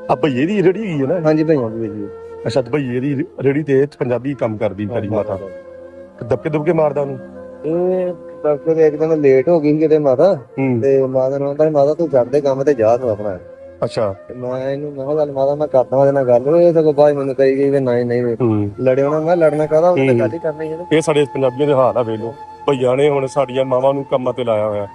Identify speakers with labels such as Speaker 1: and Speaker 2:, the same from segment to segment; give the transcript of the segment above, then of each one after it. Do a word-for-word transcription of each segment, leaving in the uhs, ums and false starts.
Speaker 1: ਆ ਭਈਏ ਦੀ ਰੇੜੀ ਹੈਗੀ ਹੈ ਨਾ?
Speaker 2: ਹਾਂਜੀ ਭਈਆਂ ਦੀ ਜੀ।
Speaker 1: ਅੱਛਾ ਤੇ ਭਈਏ ਦੀ ਰੇੜੀ ਤੇ ਪੰਜਾਬੀ ਕੰਮ ਕਰਦੀ ਤੇਰੀ ਮਾਤਾ, ਦਬਕੇ ਦੁਬਕੇ ਮਾਰਦਾ ਉਹਨੂੰ?
Speaker 2: ਇਹ ਡਾਕਟਰ ਇੱਕ ਦਿਨ ਲੇਟ ਹੋ ਗਈ ਸੀ ਕਿਤੇ ਮਾਤਾ, ਤੇ ਮਾਤਾ ਨੂੰ ਕਹਿੰਦਾ ਮਾਤਾ ਤੂੰ ਕਰਦੇ ਕੰਮ ਤੇ ਜਾ ਤੂੰ ਆਪਣਾ।
Speaker 1: ਅੱਛਾ
Speaker 2: ਮੈਂ ਇਹਨੂੰ ਮੈਂ ਗੱਲ ਮਾਤਾ ਮੈਂ ਕਰਦਾ ਉਹਦੇ ਨਾਲ ਗੱਲ, ਇਹ ਸਗੋਂ ਬਾਅਦ ਮੈਨੂੰ ਕਹੀ ਗਈ ਵੀ ਨਹੀਂ ਨਹੀਂ ਲੜੇ ਹੋਣਾ। ਮੈਂ ਲੜਨਾ ਕਾਹਦਾ, ਉਹਨੇ ਗੱਲ ਹੀ ਕਰਨੀ ਹੈ।
Speaker 1: ਇਹ ਸਾਡੇ ਪੰਜਾਬੀਆਂ ਦੇ ਹਾਲ ਆ ਵੇਖ ਲਓ, ਭਈਆਂ ਨੇ ਹੁਣ ਸਾਡੀਆਂ ਮਾਵਾਂ ਨੂੰ ਕੰਮਾਂ ਤੇ ਲਾਇਆ ਹੋਇਆ।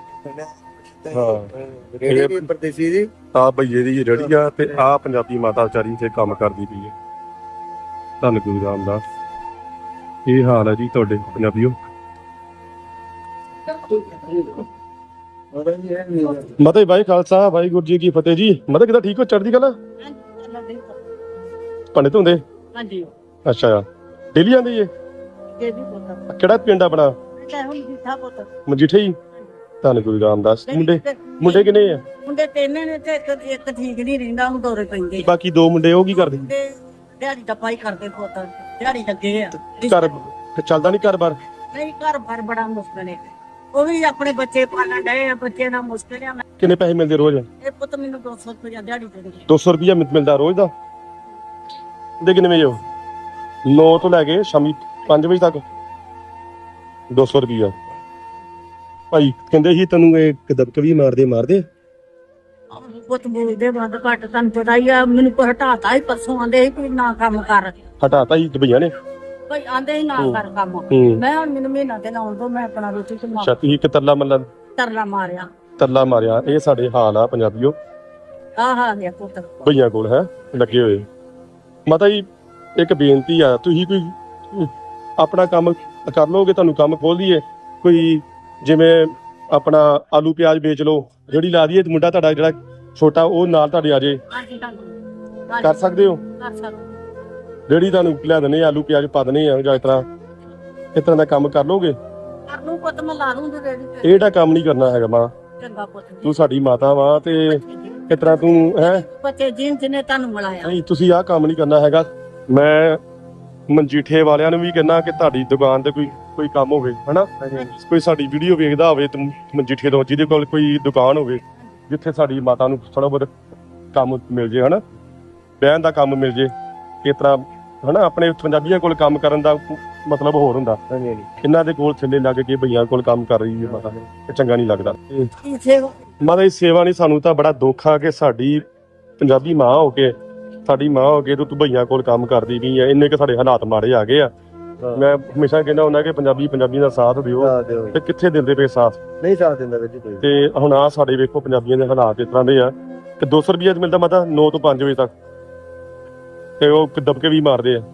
Speaker 1: ਹਾਂ
Speaker 2: ਰੇੜੀ ਪਰਦੇਸੀ ਦੀ
Speaker 1: ਆ ਭਈਏ ਦੀ ਰੇੜੀ ਆ ਤੇ ਆ ਪੰਜਾਬੀ ਮਾਤਾ ਵਿਚਾਰੀ ਤੇ ਕੰਮ ਕਰਦੀ ਪਈ ਹੈ। ਧੰਨ ਗੁਰੂ ਰਾਮਦਾਸ। ਇਹ ਹਾਲ ਹੈ ਜੀ ਤੁਹਾਡੇ ਪੰਜਾਬੀਓ। ਮਤੇ ਭਾਈ ਖਾਲਸਾ ਵਾਹਿਗੁਰੂ ਜੀ ਕੀ ਫਤਿਹ ਜੀ। ਮਤੇ ਕਿਦਾਂ ਠੀਕ ਹੋ, ਚੜ੍ਹਦੀ ਕਲਾ? ਪੰਡਿਤ ਹੁੰਦੇ?
Speaker 3: ਹਾਂਜੀ।
Speaker 1: ਅੱਛਾ ਡੇਲੀ ਆਂਦੀ ਏ? ਕਿਹੜਾ ਪਿੰਡ ਆਪਣਾ? ਮਜੀਠੇ ਹੀ। ਧੰਨ ਗੁਰੂ ਰਾਮਦਾਸ। ਮੁੰਡੇ ਮੁੰਡੇ ਕਿੰਨੇ ਆ?
Speaker 3: ਮੁੰਡੇ ਤਿੰਨ ਨੇ ਤੇ ਇੱਕ ਇੱਕ ਠੀਕ ਨਹੀਂ ਰਹਿੰਦਾ, ਉਹਨੂੰ ਦੌਰੇ ਪੈਂਦੇ।
Speaker 1: ਬਾਕੀ ਦੋ ਮੁੰਡੇ ਉਹ ਕੀ ਕਰਦੇ?
Speaker 3: ਦਿਹਾੜੀ ਟੱਪਾ ਹੀ ਕਰਦੇ ਪੁੱਤ, ਦਿਹਾੜੀ ਲੱਗੇ ਆ।
Speaker 1: ਘਰ ਚੱਲਦਾ ਨਹੀਂ ਘਰ ਬਾਰ?
Speaker 3: ਨਹੀਂ ਘਰ ਬਾਰ ਬੜਾ ਮੁਸ਼ਕਲ ਹੈ, ਉਹ ਵੀ ਆਪਣੇ ਬੱਚੇ ਪਾਲਣ ਡਏ ਆ, ਬੱਚੇ ਨਾਲ ਮੁਸ਼ਕਲ ਆ।
Speaker 1: ਕਿੰਨੇ ਪੈਸੇ ਮਿਲਦੇ ਰੋਜ਼?
Speaker 3: ਇਹ ਪੁੱਤ ਮੈਨੂੰ ਦੋ ਸੌ ਰੁਪਇਆ ਦਿਹਾੜੀ ਦਿੰਦੇ।
Speaker 1: ਦੋ ਸੌ ਰੁਪਇਆ ਮਿਲਦਾ ਰੋਜ਼ ਦਾ? ਦੇ ਕਿੰਨੇ ਵਜੇ? ਨੌ ਤੋਂ ਲੈ ਕੇ ਸ਼ਾਮੀ ਪੰਜ ਵਜੇ ਤੱਕ ਦੋ ਸੌ ਰੁਪਇਆ। ਭਾਈ ਕਹਿੰਦੇ ਸੀ ਤੈਨੂੰ ਇਹ ਦਬਕੇ ਵੀ ਮਾਰਦੇ ਮਾਰਦੇ?
Speaker 3: ਪੁੱਤ ਬੋਲਦੇ ਬੰਦ ਘੱਟ, ਤੁਹਾਨੂੰ ਪਤਾ ਹੀ ਆ। ਮੈਨੂੰ ਕੋਈ ਹਟਾਤਾ ਹੀ ਪਰਸੋਂ, ਆਂਦੇ ਸੀ ਕੋਈ ਨਾ ਕੰਮ ਕਰ।
Speaker 1: ਹਟਾਤਾ ਹੀ ਭਈਆਂ ਨੇ?
Speaker 3: ਭਾਈ ਆਂਦੇ ਹੀ ਨਾ ਕਰ ਕੰਮ। ਮੈਂ ਹੁਣ ਮੈਨੂੰ ਮਹੀਨਾ ਤੇ ਲਾਉਣ ਤੋਂ ਮੈਂ ਆਪਣਾ ਰੋਟੀ ਤੇ ਮਾਰ।
Speaker 1: ਅੱਛਾ ਤੁਸੀਂ ਇੱਕ ਤਰਲਾ ਮੱਲਾ
Speaker 3: ਤਰਲਾ ਮਾਰਿਆ?
Speaker 1: ਤਰਲਾ ਮਾਰਿਆ। ਇਹ ਸਾਡੇ ਹਾਲ ਆ ਪੰਜਾਬੀਓ।
Speaker 3: ਆਹ ਹਾਲ ਆ ਪੁੱਤ
Speaker 1: ਭਈਆਂ ਕੋਲ ਹੈ ਲੱਗੇ ਹੋਏ। ਮਾਤਾ ਜੀ ਇੱਕ ਬੇਨਤੀ ਆ, ਤੁਸੀਂ ਕੋਈ ਆਪਣਾ ਕੰਮ ਕਰ ਲਓਗੇ, ਤੁਹਾਨੂੰ ਕੰਮ ਖੋਲ ਦਈਏ ਕੋਈ, ਜਿਵੇਂ ਆਪਣਾ ਆਲੂ ਪਿਆਜ਼ ਵੇਚ ਲਓ, ਜਿਹੜੀ ਲਾ ਦਈਏ, ਮੁੰਡਾ ਤੁਹਾਡਾ ਜਿਹੜਾ ਛੋਟਾ ਉਹ ਨਾਲ ਤੁਹਾਡੇ ਆ ਜੇ। ਕਰ ਸਕਦੇ ਹੋ?
Speaker 3: ਕਰ ਸਕਦੇ।
Speaker 1: ਜਿਹੜੀ ਤੁਹਾਨੂੰ ਲਿਆ ਦਨੇ ਆਲੂ ਪਿਆਜ਼ ਪਾ ਦਨੇ ਆ, ਜਾਂ ਇਸ ਤਰ੍ਹਾਂ ਇਸ ਤਰ੍ਹਾਂ ਦਾ ਕੰਮ ਕਰ ਲੋਗੇ?
Speaker 3: ਕਰ ਲੂ ਪੁੱਤ, ਮੈਂ ਲਾ ਲੂੰ ਰੇੜੀ ਤੇ।
Speaker 1: ਇਹ ਜਿਹੜਾ ਕੰਮ ਨਹੀਂ ਕਰਨਾ ਹੈਗਾ ਮਾਂ,
Speaker 3: ਚੰਗਾ ਪੁੱਤ।
Speaker 1: ਤੂੰ ਸਾਡੀ ਮਾਤਾ ਵਾ ਤੇ ਇਸ ਤਰ੍ਹਾਂ ਤੂੰ ਹੈ
Speaker 3: ਬੱਚੇ ਜਿਨ ਜਿਹਨੇ ਤੁਹਾਨੂੰ ਮਿਲਾਇਆ।
Speaker 1: ਨਹੀਂ ਤੁਸੀਂ ਆਹ ਕੰਮ ਨਹੀਂ ਕਰਨਾ ਹੈਗਾ। ਮੈਂ ਮਨਜੀਠੇ ਵਾਲਿਆਂ ਨੂੰ ਵੀ ਕਹਿੰਦਾ ਕਿ ਤੁਹਾਡੀ ਦੁਕਾਨ ਤੇ ਕੋਈ ਕੋਈ ਕੰਮ ਹੋਵੇ, ਹਨਾ, ਕੋਈ ਸਾਡੀ ਵੀਡੀਓ ਵੇਖਦਾ ਹੋਵੇ ਤੇ ਮਨਜੀਠੇ ਤੋਂ, ਜਿਹਦੇ ਕੋਲ ਕੋਈ ਦੁਕਾਨ ਹੋਵੇ ਜਿੱਥੇ ਸਾਡੀ ਮਾਤਾ ਨੂੰ ਥੋੜਾ ਬਹੁਤ ਕੰਮ ਮਿਲ ਜੇ, ਹਨਾ, ਬਹਿਣ ਦਾ ਕੰਮ ਮਿਲ ਜੇ, ਇਸ ਤਰ੍ਹਾਂ ਹਨਾ। ਆਪਣੇ ਪੰਜਾਬੀਆਂ ਕੋਲ ਕੰਮ ਕਰਨ ਦਾ ਮਤਲਬ ਹੋਰ ਹੁੰਦਾ, ਇਹਨਾਂ ਦੇ ਕੋਲ ਥੱਲੇ ਲੱਗ ਕੇ ਭਈਆਂ ਕੋਲ ਕੰਮ ਕਰ ਰਹੀ ਹੈ ਮਾਤਾ, ਇਹ ਚੰਗਾ ਨਹੀਂ ਲੱਗਦਾ। ਮਾਤਾ ਦੀ ਸੇਵਾ ਨਹੀਂ, ਸਾਨੂੰ ਤਾਂ ਬੜਾ ਦੁੱਖ ਆ ਕਿ ਸਾਡੀ ਪੰਜਾਬੀ ਮਾਂ ਹੋ ਕੇ, ਸਾਡੀ ਮਾਂ ਹੋ ਕੇ ਤੂੰ ਭਈਆਂ ਕੋਲ ਕੰਮ ਕਰਦੀ ਵੀ ਆ। ਇੰਨੇ ਕਿ ਸਾਡੇ ਹਾਲਾਤ ਮਾੜੇ ਆ ਗਏ ਆ। ਮੈਂ ਹਮੇਸ਼ਾ ਕਹਿੰਦਾ ਹੁੰਦਾ ਕਿ ਪੰਜਾਬੀ ਪੰਜਾਬੀ ਦਾ ਸਾਥ ਦਿਓ, ਤੇ ਕਿੱਥੇ ਦਿੰਦੇ ਪਏ ਸਾਥ?
Speaker 2: ਨਹੀਂ ਸਾਥ ਦਿੰਦਾ ਵੀਰ ਜੀ।
Speaker 1: ਤੇ ਹੁਣ ਆ ਸਾਡੇ ਵੇਖੋ ਪੰਜਾਬੀਆਂ ਦੇ ਹਾਲਾਤ ਇਸ ਤਰ੍ਹਾਂ ਦੇ ਆ ਕਿ ਦੋ ਸੌ ਰੁਪਇਆ ਮਿਲਦਾ ਮਾਤਾ ਨੌ ਤੋਂ ਪੰਜ ਵਜੇ ਤੱਕ, ਤੇ ਉਹ ਦਬਕੇ ਵੀ ਮਾਰਦੇ ਆ,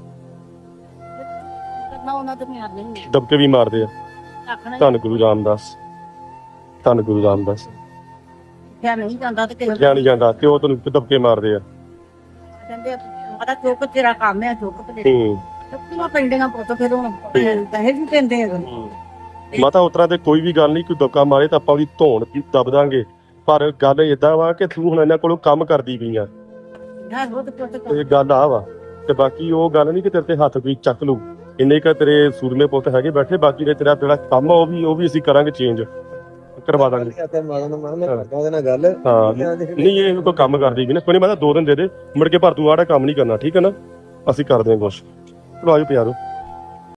Speaker 1: ਦਬਕੇ ਵੀ ਮਾਰਦੇ ਆ। ਧੰਨ ਗੁਰੂ ਰਾਮਦਾਸ, ਧੰਨ ਗੁਰੂ ਰਾਮਦਾਸ।
Speaker 3: ਕਿਆ ਨਹੀਂ ਜਾਂਦਾ ਤੇ
Speaker 1: ਕਿਆ ਨਹੀਂ ਜਾਂਦਾ, ਤੇ ਉਹ ਤੈਨੂੰ ਦਬਕੇ ਮਾਰਦੇ ਆ।
Speaker 3: ਕਹਿੰਦੇ ਮਾਤਾ ਚੁੱਕ ਤੇਰਾ ਕੰਮ ਹੈ, ਚੁੱਕ ਤੇ
Speaker 1: ਹੂੰ
Speaker 3: ਚੁੱਕੀਆਂ ਪੈਂਦੀਆਂ ਪੁੱਤ, ਫਿਰ ਹੁਣ ਪੈਸੇ ਵੀ ਦਿੰਦੇ ਆ।
Speaker 1: ਮਾਤਾ ਉਸ ਤਰ੍ਹਾਂ ਤੇ ਕੋਈ ਵੀ ਗੱਲ ਨਹੀਂ, ਕੋਈ ਦਬਕਾ ਮਾਰੇ ਤਾਂ ਆਪਾਂ ਉਹਦੀ ਧੌਣ ਦਬ ਦਾਂਗੇ, ਪਰ ਗੱਲ ਏਦਾਂ ਵਾ ਕਿ ਤੂੰ ਹੁਣ ਇਹਨਾਂ ਕੋਲੋਂ ਕੰਮ ਕਰਦੀ ਪਈ ਆ, ਇਹ ਗੱਲ ਆ ਵਾ। ਤੇ ਬਾਕੀ ਉਹ ਗੱਲ ਨਹੀਂ ਕਿ ਤੇਰੇ ਤੇ ਹੱਥ ਕੋਈ ਚੱਕ ਲੂ, ਇੰਨੇ ਕ ਤੇਰੇ ਸੂਰਮੇ ਪੁੱਤ ਹੈਗੇ ਬੈਠੇ, ਬਾਕੀ ਦੇ ਤੇਰਾ ਜਿਹੜਾ ਕੰਮ ਆ ਉਹ ਵੀ ਉਹ ਵੀ ਅਸੀਂ ਕਰਾਂਗੇ, ਚੇਂਜ ਕਰਵਾ ਦਾਂਗੇ। ਹਾਂ ਨਹੀਂ ਇਹ ਕੋਈ ਕੰਮ ਕਰਦੀ ਵੀ ਨਾ, ਕੋਈ ਨਹੀਂ ਮੈਂ ਤਾਂ ਦੋ ਦਿਨ ਦੇ ਦੇ ਮੁੜ ਕੇ, ਪਰ ਤੂੰ ਆੜਾ ਕੰਮ ਨਹੀਂ ਕਰਨਾ, ਠੀਕ ਹੈ ਨਾ, ਅਸੀਂ ਕਰਦੇ ਹਾਂ ਕੁਛ। ਚਲੋ ਆਜੋ ਪਿਆਰੋ।